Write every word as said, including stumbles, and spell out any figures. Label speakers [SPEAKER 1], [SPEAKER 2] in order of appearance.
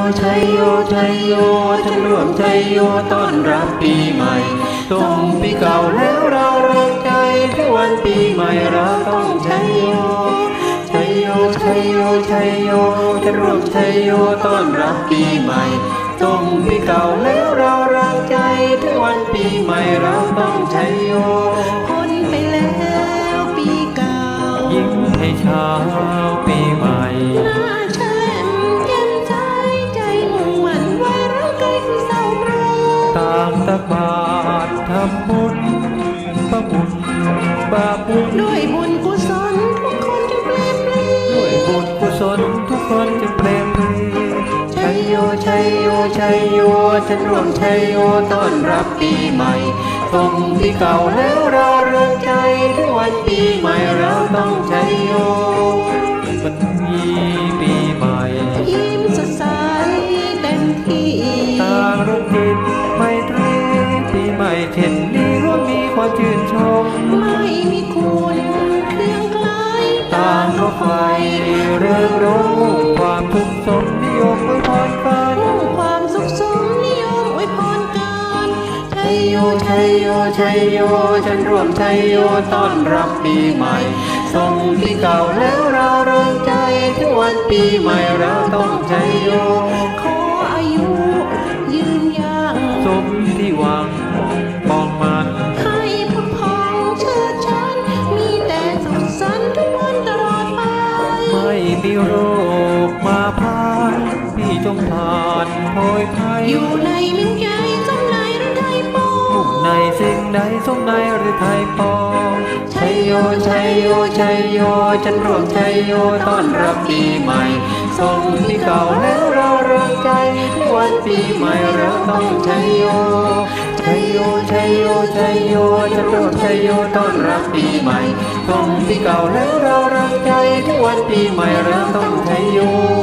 [SPEAKER 1] ชัยโยชัยโยฉันร่วมชัยโยต้อนรับปีใหม่ส่งปีเก่าแล้วเราเริงใจที่วันปีใหม่เราต้องชัยโยชัยโยชัยโยชัยโยฉันร่วมชัยโยต้อนรับปีใหม่ส่งปีเก่าแล้วเราเริงใจที่วันปีใหม่เราต้องชัยโย
[SPEAKER 2] พ้นไปแล้วปีเก่า
[SPEAKER 1] ยิ้มให้เช้าปีใหม่
[SPEAKER 2] หน้าแช่มแจ่มใสใจมุ่งมั่นไว้รักใกล้ที่เศร้าโศก
[SPEAKER 1] ต่างตักบาตรทำบุญประบุญบาปบุญ
[SPEAKER 2] ด้วยบุญกุศลทุกคนจะเปรมปรี
[SPEAKER 1] ด้วยบุญกุศลทุกคนจะเปรมปรีชัยโยชัยโยชัยโยฉันร่วมชัยโยต้อนรับปีใหม่ส่งปีเก่าแล้วเราเริงใจที่วันปีใหม่เราต้องชัยโยวันนี้ปีใหม่
[SPEAKER 2] ยิ้มสดใสเต็มที่
[SPEAKER 1] ต่างร่วมจิตไมตรีปีใหม่เช่นนี้ร่วมมีความชื่นชม
[SPEAKER 2] ไม่มีคุณเครื่องไกล
[SPEAKER 1] ต่างก็ไฟเรื่องร้องความทุกข์สมนิยมอวยพรกัน
[SPEAKER 2] ความสุขสมนิยมอวยพรกัน
[SPEAKER 1] ชัยโยชัยโยชัยโยฉันร่วมชัยโยต้อนรับปีใหม่ส่งปีเก่าแล้วเราเริงใจที่วันปีใหม่เราต้องชัยโย
[SPEAKER 2] ขออายุยืนยัง
[SPEAKER 1] สมที่หวังมองมัน
[SPEAKER 2] ให้พุทธพองเชิดชันมีแต่สุขสันต์ทุกวันตลอดไป
[SPEAKER 1] ไม่มีโรคมาพานพี่จงผ่านโพยภัย
[SPEAKER 2] อยู่ในมิ่งใจสมในหรือไทยปอง
[SPEAKER 1] มุ่งในสิ่งใดสมในหรือไทยปองชัยโยชัยโยชัยโยฉันร่วมชัยโยต้อนรับปีใหม่ส่งปีเก่าแล้วเราเริงใจที่วันปีใหม่เราต้องชัยโยชัยโยชัยโยชัยโยฉันร่วมชัยโยต้อนรับปีใหม่ส่งปีเก่าแล้วเราเริงใจที่วันปีใหม่เราต้องชัยโย